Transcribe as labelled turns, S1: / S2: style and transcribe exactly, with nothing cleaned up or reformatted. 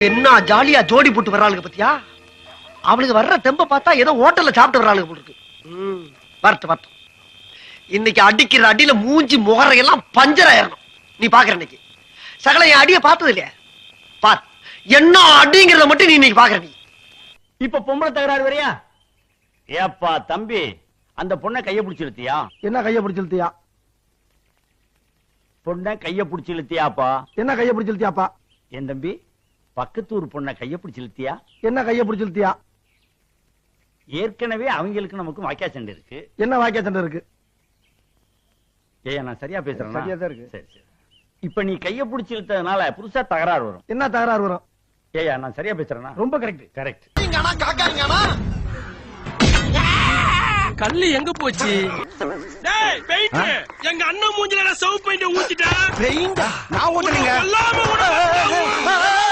S1: என்ன ஜாலியா ஜோடி போட்டு வர்றாளுங்க பத்தியா? அவளுக்கு வர்ற தெம்ப பார்த்தா ஏதோ ஹோட்டல்ல சாப்பிட்டு வர்றாளுங்க போல இருக்கு. வரட்டு வரட்டு. இன்னைக்கு அடிக்கிற அடியில மூஞ்சி முகரையெல்லாம் பஞ்சர் ஆயிரணும். நீ பாக்குற இன்னைக்கு சகல என் அடிய பார்த்தது இல்லையா? பார் என்ன அடிங்கிறத மட்டும் நீ இன்னைக்கு பாக்குற. நீ
S2: இப்ப பொம்பளை தகராறு வரையா? ஏப்பா தம்பி, அந்த பொண்ணை கைய பிடிச்சு இழுத்தியா?
S3: என்ன கைய பிடிச்சு இழுத்தியா?
S2: பொண்ணை கைய பிடிச்சு இழுத்தியாப்பா?
S3: என்ன கைய பிடிச்சு இழுத்தியாப்பா?
S2: என் தம்பி, பக்கத்தூர் பொண்ணை கைய பிடிச்சு இழுத்தியா?
S3: என்ன கைய பிடிச்சு இழுத்தியா?
S2: ஏற்கனவே அவங்களுக்கு நமக்கு வாக்கியா சண்டை இருக்கு.
S3: என்ன வாக்கியா சண்டை இருக்கு?
S2: ஏய், நான் சரியா பேசுறேன்?
S3: சரியா தான் இருக்கு.
S2: சரி சரி. இப்ப நீ கைய பிடிச்சு இழுத்ததுனால புதுசா தகராறு வரும்.
S3: என்ன தகராறு வரும்?
S2: ஏயா, நான் சரியா பேசுறேனா?
S3: ரொம்ப கரெக்ட்.
S2: கரெக்ட்.
S4: கல்லு எங்க போச்சு? எங்க அண்ணன் மூஞ்சில சவுப் பெயிண்ட் ஊத்திட்டேன்.
S1: நான் ஊத்துறீங்க.